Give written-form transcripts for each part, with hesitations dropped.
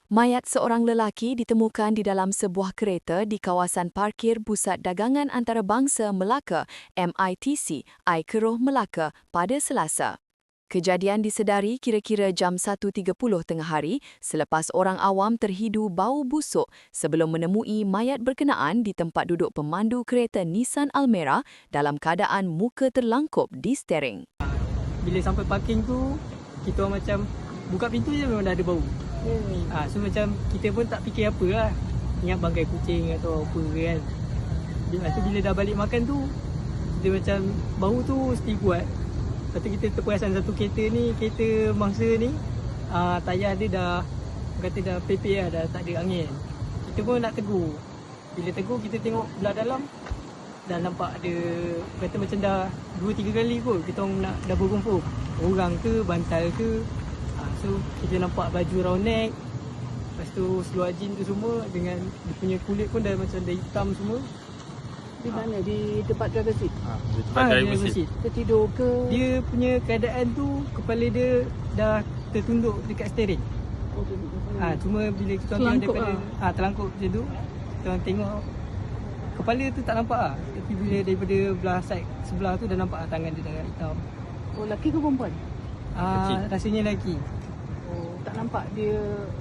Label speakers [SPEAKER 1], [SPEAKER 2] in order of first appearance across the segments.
[SPEAKER 1] Mayat seorang lelaki ditemukan di dalam sebuah kereta di kawasan parkir Pusat Dagangan Antarabangsa Melaka MITC, Air Melaka pada Selasa. Kejadian disedari kira-kira jam 1.30 tengah hari selepas orang awam terhidu bau busuk sebelum menemui mayat berkenaan di tempat duduk pemandu kereta Nissan Almera dalam keadaan muka terlangkup di steering.
[SPEAKER 2] Bila sampai parking tu, kita orang macam buka pintu je memang dah ada bau. So macam kita pun tak fikir apa lah. Ingat bangkai kucing atau apa kan. Lepas tu bila dah balik makan tu, kita macam bau tu mesti kuat. Lepas tu kita terperasan satu kereta ni, kereta mangsa ni, tayar dia dah, kata dah pepek lah, dah tak ada angin. Kita pun nak tegur. Bila tegur kita tengok belah dalam, dah nampak ada, kata macam dah 2-3 kali kot kita orang nak dah berkumpul. Orang ke, bantal ke. So kita nampak baju round neck. Lepas tu seluar jean tu semua dengan dia punya kulit pun dah macam dah hitam semua.
[SPEAKER 3] Di mana? Di tempat driver seat?
[SPEAKER 4] Di tempat driver seat.
[SPEAKER 3] Tertidur ke?
[SPEAKER 2] Dia punya keadaan tu kepala dia dah tertunduk dekat steering.
[SPEAKER 3] Oh,
[SPEAKER 2] Cuma bila kita orang tengok daripada terlangkup macam tu, kita orang tengok kepala tu tak nampak lah. Tapi bila daripada belah side sebelah tu dah nampak tangan dia dah hitam.
[SPEAKER 3] Oh, lelaki ke perempuan?
[SPEAKER 2] Rasanya lelaki.
[SPEAKER 3] Oh, tak nampak dia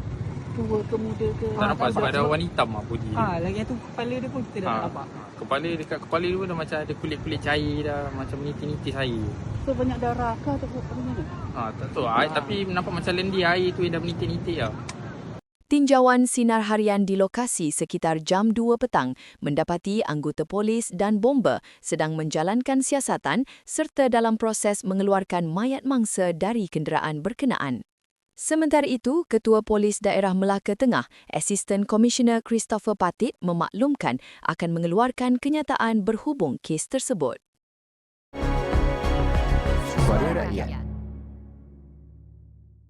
[SPEAKER 3] tua ke muda ke?
[SPEAKER 4] Tak nampak sebab ada warna hitam lah body dia.
[SPEAKER 2] Lagi tu kepala dia pun kita dah nampak.
[SPEAKER 4] Dekat kepala dia pun dah macam ada kulit-kulit cair dah, macam menitis-nitis air.
[SPEAKER 3] So banyak darah ke atau apa mana?
[SPEAKER 4] Tak tahu. Tapi nampak macam lendir air tu yang dah menitis-nitis lah.
[SPEAKER 1] Tinjauan sinar harian di lokasi sekitar jam 2 petang mendapati anggota polis dan bomba sedang menjalankan siasatan serta dalam proses mengeluarkan mayat mangsa dari kenderaan berkenaan. Sementara itu, Ketua Polis Daerah Melaka Tengah, Asisten Komisioner Christopher Patit memaklumkan akan mengeluarkan kenyataan berhubung kes tersebut.
[SPEAKER 5] Suara Rakyat.